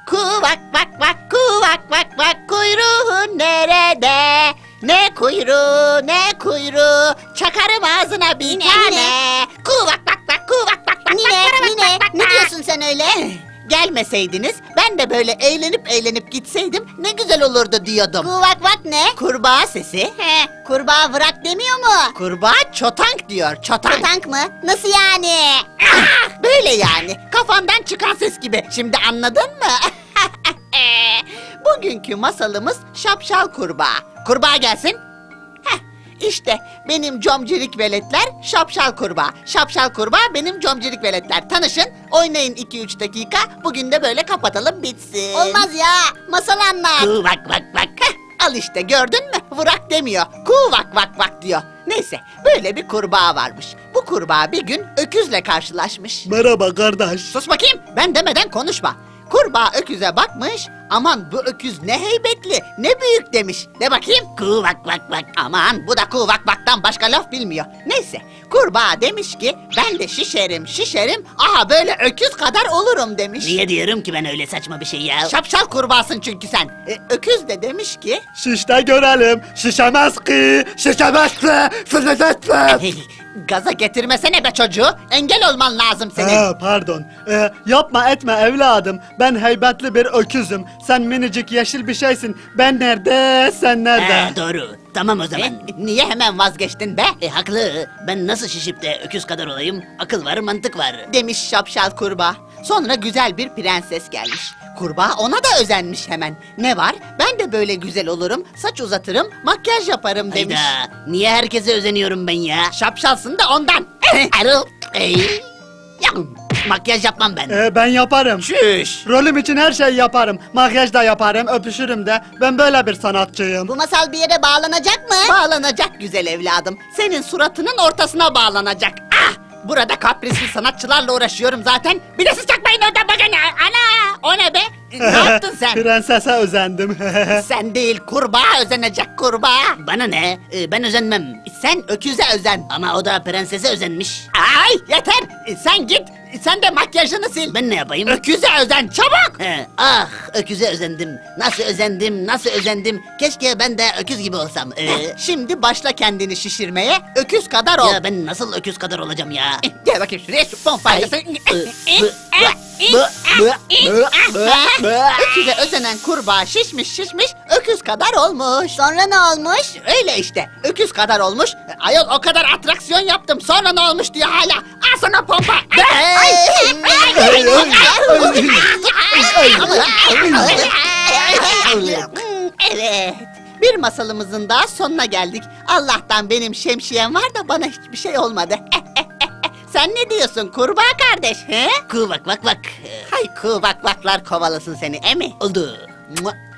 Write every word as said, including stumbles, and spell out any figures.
Kuvak vak vak kuvak vak vak kuyruğun nerede? Ne kuyruğu ne kuyruğu çakarım ağzına bir Nine, tane. nine. Kuvak vak vak kuvak vak vak. Nine, vak, vak, Nine, vak, vak, ne vak. diyorsun sen öyle? Gelmeseydiniz ben de böyle eğlenip eğlenip gitseydim ne güzel olurdu diyordum. Kuvak vak ne? Kurbağa sesi. He, kurbağa vırak demiyor mu? Kurbağa çotank diyor çotank. Tank mı? Nasıl yani? Ah, böyle yani kafandan çıkan ses gibi. Şimdi anladın mı? Bugünkü masalımız şapşal kurbağa. Kurbağa gelsin. Heh, işte benim comcilik veletler şapşal kurbağa. Şapşal kurbağa benim comcilik veletler. Tanışın, oynayın iki üç dakika. Bugün de böyle kapatalım bitsin. Olmaz ya. Masal anlat. Kuvak vak vak. Heh, al işte gördün mü? Vırak demiyor. Kuvak vak vak diyor. Neyse böyle bir kurbağa varmış. Bu kurbağa bir gün öküzle karşılaşmış. Merhaba kardeş. Sus bakayım, ben demeden konuşma. Kurbağa öküze bakmış, aman bu öküz ne heybetli, ne büyük demiş. De bakayım, kuvak vak vak. Aman bu da kuvak vaktan başka laf bilmiyor. Neyse, kurbağa demiş ki, ben de şişerim şişerim, aha böyle öküz kadar olurum demiş. Niye diyorum ki ben öyle saçma bir şey ya? Şapşal kurbağasın çünkü sen. E, öküz de demiş ki, Şişte görelim. Şişemez ki. Şişemezse. Şişemezse. gaza getirmesene be çocuğu, engel olman lazım senin. Ha, pardon. Ee, yapma etme evladım. Ben heybetli bir öküzüm. Sen minicik yeşil bir şeysin. Ben nerede, sen nerede? He, doğru. Tamam o zaman. E, niye hemen vazgeçtin be? E, haklı. Ben nasıl şişip de öküz kadar olayım? Akıl var, mantık var. Demiş şapşal kurbağa. Sonra güzel bir prenses gelmiş. Kurbağa ona da özenmiş hemen. Ne var? Ben de böyle güzel olurum, saç uzatırım, makyaj yaparım demiş. Hayda. Niye herkese özeniyorum ben ya? Şapşalsın da ondan. Erol. Ey. Ya, makyaj yapmam ben. Ee, ben yaparım. Şüş. Rolüm için her şeyi yaparım. Makyaj da yaparım, öpüşürüm de. Ben böyle bir sanatçıyım. Bu masal bir yere bağlanacak mı? Bağlanacak güzel evladım. Senin suratının ortasına bağlanacak. Ah! Burada kaprisli sanatçılarla uğraşıyorum zaten. Bir de siz çakmayın oradan bakın. Ana! O ne be? Ne yaptın sen? Prensese özendim. Sen değil, kurbağa özenecek kurbağa. Bana ne? E, ben özenmem. Sen öküze özen. Ama o da prensese özenmiş. Ay yeter. Sen git. Sen de makyajını sil. Ben ne yapayım? Öküze özen çabuk. He, ah öküze özendim. Nasıl özendim, nasıl özendim. Keşke ben de öküz gibi olsam. Ee, Şimdi başla kendini şişirmeye. Öküz kadar ol. ya ben nasıl öküz kadar olacağım ya? Gel bakayım şuraya şu pompayla. Ay. Öküze özenen kurbağa şişmiş şişmiş öküz kadar olmuş. Sonra ne olmuş? Öyle işte öküz kadar olmuş. Ayol o kadar atraksiyon yaptım sonra ne olmuş diye hala. Al sana pompa. Evet. Bir masalımızın daha sonuna geldik. Allah'tan benim şemsiyem var da bana hiçbir şey olmadı. Sen ne diyorsun kurbağa kardeş? He? Kuvak vak vak. Hay kuvak vaklar kovalasın seni emi. Oldu. Mua.